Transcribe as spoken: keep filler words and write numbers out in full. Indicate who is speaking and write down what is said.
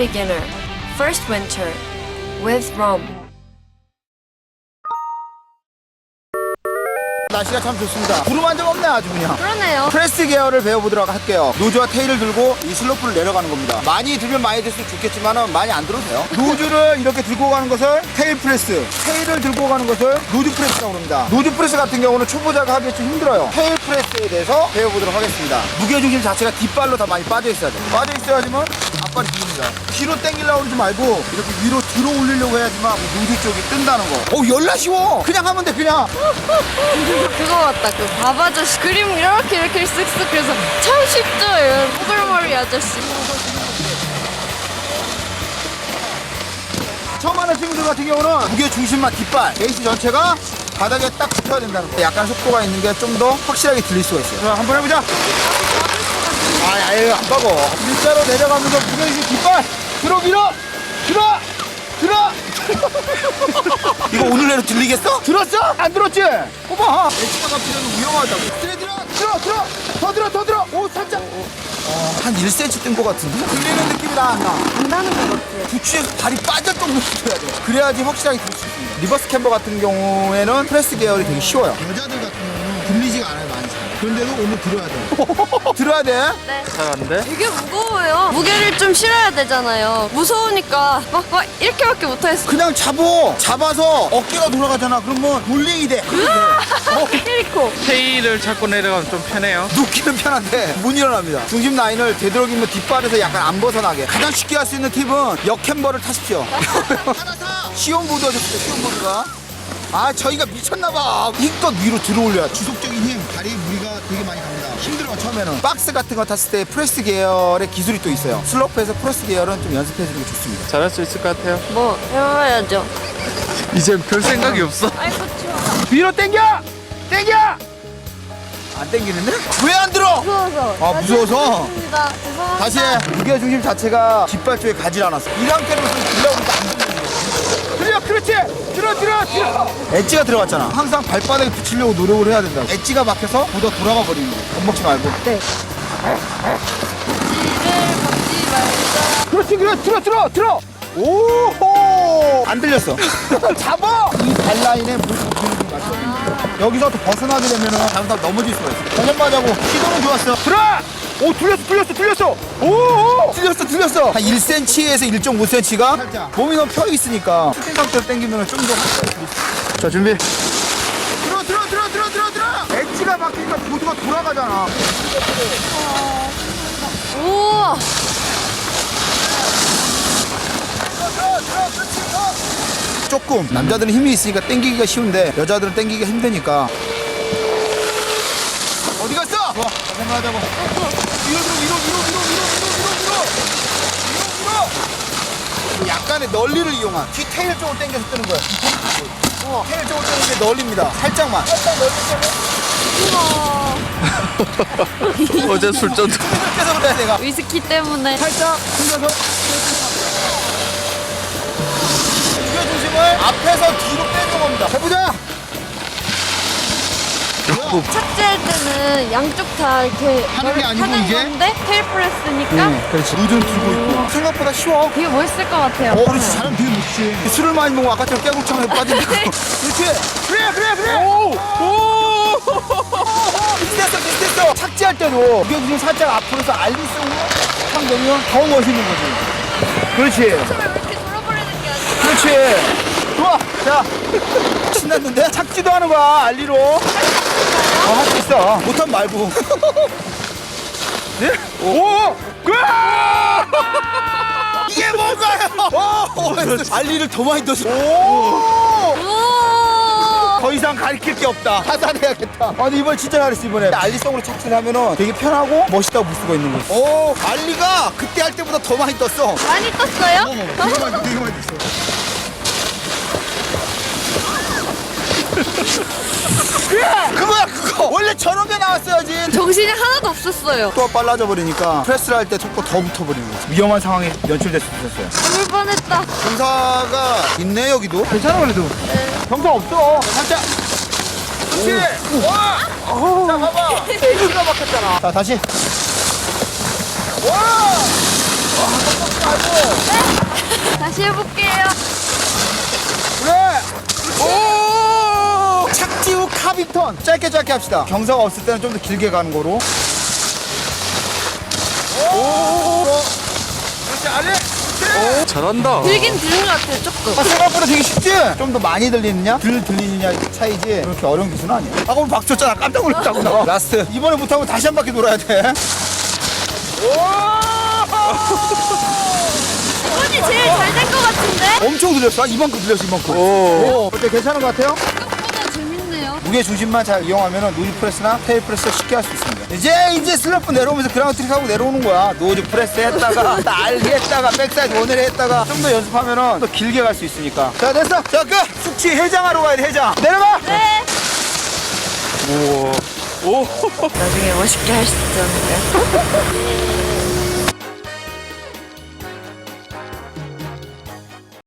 Speaker 1: beginner, first winter, with Rom.
Speaker 2: 날씨가 참 좋습니다. 구름 한 점 없네 아주 그냥.
Speaker 1: 그러네요.
Speaker 2: 프레스 계열을 배워보도록 할게요. 노즈와 테일을 들고 이 슬로프를 내려가는 겁니다. 많이 들면 많이 들수록 좋겠지만 많이 안 들어도 돼요. 노즈를 이렇게 들고 가는 것을 테일 프레스, 테일을 들고 가는 것을 노즈 프레스라고 합니다. 노즈 프레스 같은 경우는 초보자가 하기 좀 힘들어요. 테일 프레스에 대해서 배워보도록 하겠습니다. 무게중심 자체가 뒷발로 다 많이 빠져 있어야 돼요. 빠져 있어야지만 앞발이 뒤집니다. 뒤로 당기려고 그러지 말고 이렇게 위로 들어 올리려고 해야지만 노즈 쪽이 뜬다는 거. 어우 열나 쉬워. 그냥 하면 돼 그냥.
Speaker 1: 그거 같다. 그 밥 아저씨 그림 이렇게 이렇게 쓱쓱 그래서 참 쉽죠. 이런 뽀글머리 아저씨.
Speaker 2: 처음 하는 친구들 같은 경우는 무게 중심만 뒷발, 베이스 전체가 바닥에 딱 붙어야 된다는 거. 약간 속도가 있는 게 좀 더 확실하게 들릴 수가 있어요. 자, 한번 해보자. 아, 아유, 안 빠고. 일자로 내려가면서 무게 중심 뒷발, 들어 밀어, 들어, 들어. 이거 오늘 내로 들리겠어? 들었어? 안 들었지? 봐봐. 엑스가 필요는 위험하다고. 들어, 들어, 들어, 들어, 더 들어, 더 들어. 오, 살짝. 어, 한 일 센티미터 뜬 것 같은데? 들리는 느낌이 나, 안 나?
Speaker 1: 안다는 것 같아요.
Speaker 2: 부추에서 발이 빠질 정도로 붙어야 돼. 그래야지 확실하게 들을 수 있습니다. 리버스 캠버 같은 경우에는 프레스 계열이 되게 쉬워요. 여자들 같은 경우는 들리지가 않아요, 많이 잘. 그런데도 오늘 들어야 돼. 들어야 돼?
Speaker 1: 네.
Speaker 3: 잘하는데?
Speaker 1: 되게 무거워요. 무게를 좀 실어야 되잖아요. 무서우니까 막, 막 이렇게밖에 못하겠어.
Speaker 2: 그냥 잡어. 잡아서 어깨가 돌아가잖아. 그러면 볼링이 돼. 그렇게 돼. 어,
Speaker 1: 캐리코.
Speaker 3: 테일을 잡고 내려가면 좀 편해요.
Speaker 2: 눕기는 편한데 못 일어납니다. 중심 라인을 되도록이면 뒷발에서 약간 안 벗어나게. 가장 쉽게 할 수 있는 팁은 역캠버를 타십시오. 시온보드 하셨어요, 시온보드가. 아, 저희가 미쳤나봐. 이껏 위로 들어올려야 지속적인 힘, 다리에 무리가 되게 많이 갑니다. 힘들어, 처음에는. 박스 같은 거 탔을 때 프레스 계열의 기술이 또 있어요. 슬로프에서 프레스 계열은 좀 연습해주는 게 좋습니다.
Speaker 3: 잘할 수 있을 것 같아요.
Speaker 1: 뭐 해봐야죠.
Speaker 3: 이제 별 생각이 없어.
Speaker 1: 아이고 추워.
Speaker 2: 위로 당겨! 당겨! 안 당기는데? 왜 안 들어?
Speaker 1: 무서워서.
Speaker 2: 아, 무서워서?
Speaker 1: 죄송합니다. 죄송합니다.
Speaker 2: 다시 해. 무게 중심 자체가 뒷발 쪽에 가지 않았어. 이 상태로 들려고 하니까 안 들리는 거야. 들려, 그렇지! 들어, 들어, 들어! 엣지가 들어갔잖아. 항상 발바닥에 붙이려고 노력을 해야 된다. 엣지가 막혀서 보다 돌아가 버리는 거야. 겁먹지 말고.
Speaker 1: 네. 지를 먹지 말자.
Speaker 2: 그렇지, 그래, 들어, 들어, 들어! 오호! 안 들렸어. 잡아! 이 발라인에 물 붙이는 게 맞거든요. 여기서 또 벗어나게 되면은 잘못하면 넘어질 수가 있어. 전력 맞아고 시도는 좋았어. 들어! 오, 틀렸어, 틀렸어, 틀렸어! 오! 틀렸어, 틀렸어! 한 일 센티미터에서 일 점 오 센티미터가 살짝. 몸이 너무 펴 있으니까 슈팅 상태로 당기면 좀 더 확실하게 들릴 수 있어. 자, 준비. 들어, 들어, 들어, 들어, 들어, 들어! 엣지가 막히니까 보드가 돌아가잖아.
Speaker 1: 우와.
Speaker 2: 조금 남자들은 힘이 있으니까 당기기가 쉬운데 여자들은 당기기가 힘드니까. 어디 갔어? 좋아, 생각하자고. 위로 들어, 위로, 위로, 위로, 위로, 위로, 위로, 위로, 위로. 약간의 넓이를 이용한 뒤 테일 쪽으로 당겨서 뜨는 거야. 어, 테일 쪽으로 뜨는 게 넓입니다. 살짝만. 살짝 넓이 때문에.
Speaker 3: 어제 술전
Speaker 2: 그래서 그래 내가.
Speaker 1: 위스키 때문에.
Speaker 2: 살짝 흘려서. 무게 중심을 앞에서 뒤로 빼는 겁니다. 해보자.
Speaker 1: 착지할 때는 양쪽 다 이렇게
Speaker 2: 하는 게 아니고
Speaker 1: 하는
Speaker 2: 이게?
Speaker 1: 건데 테일 프레스니까
Speaker 2: 그렇지. 루즈는 들고 있고. 생각보다 쉬워.
Speaker 1: 되게 멋있을 것 같아요.
Speaker 2: 어, 그렇지. 사람 되게 멋있지. 술을 많이 먹으면 아까처럼 깨구창에 빠진다. 그렇지. 그래, 그래, 그래. 오! 오! 비슷했어, 비슷했어. 착지할 때도 무게 중심 살짝 앞으로서 알리송으로 탁 내면 더 멋있는 거지. 그렇지.
Speaker 1: 왜 이렇게 돌아버리는 게 아니라.
Speaker 2: 그렇지. 좋아. 자. 신났는데? 착지도 하는 거야, 알리로. 어, 할 수 있어. 못하면 말고. 네? 오! 으아! 이게 뭔가요? 오! 알리를 더 많이 넣었어. 오!
Speaker 1: 우와.
Speaker 2: 더 이상 가르칠 게 없다. 하산해야겠다. 아, 근데 이번에 진짜 잘했어, 이번에. 알리성으로 착지를 하면은 되게 편하고 멋있다고 볼 수가 있는 거지. 오! 알리가 그때 할 때보다 더 많이 떴어.
Speaker 1: 많이 떴어요?
Speaker 2: 되게 많이, 되게 많이 떴어. 그거야, 그거! 원래 저런 게 나왔어야지.
Speaker 1: 정신이 하나도 없었어요.
Speaker 2: 또 빨라져 버리니까 프레스를 할 때 속도 더 붙어버리는 거지. 위험한 상황이 연출될 수 있었어요.
Speaker 1: 죽을 뻔했다.
Speaker 2: 경사가 있네, 여기도. 괜찮아, 그래도. 경사 없어. 살짝. 그렇지. 와! 자, 봐봐. 에이스가 막혔잖아. 자, 다시. 와!
Speaker 1: 다시 해볼게요.
Speaker 2: 그래. 오! 착지 후 카빙턴. 짧게 짧게 합시다. 경사가 없을 때는 좀 더 길게 가는 거로. 오! 그렇지, 아래. 그래.
Speaker 3: 잘한다.
Speaker 1: 들긴 들은 것 같아요, 조금.
Speaker 2: 아, 생각보다 되게 쉽지? 좀 더 많이 들리느냐, 덜 들리느냐 차이지. 그렇게 어려운 기술은 아니야. 아까 우리 박수 쳤잖아. 깜짝 놀랐다고 나. 라스트. 이번에 못하면 다시 한 바퀴 돌아야 돼.
Speaker 1: 이번이 제일 잘 된 것 같은데?
Speaker 2: 엄청 들렸어. 이만큼 들렸어, 이만큼.
Speaker 3: 오.
Speaker 2: 오. 어때, 괜찮은 것 같아요?
Speaker 1: 생각보다 재밌네요.
Speaker 2: 무게 중심만 잘 이용하면 노즈 프레스나 테일 프레스 쉽게 할 수 있습니다. 이제 이제 슬럼프 내려오면서 그라운드 트릭 하고 내려오는 거야. 노즈 프레스 했다가 날개 했다가 백사이드 원을 했다가 좀 더 연습하면은 더 길게 갈 수 있으니까. 자, 됐어. 자, 끝. 숙취 해장하러 가야 돼. 해장. 내려가.
Speaker 1: 네.
Speaker 3: 우와. 오.
Speaker 1: 나중에 멋있게 할 수 있지 않을까요?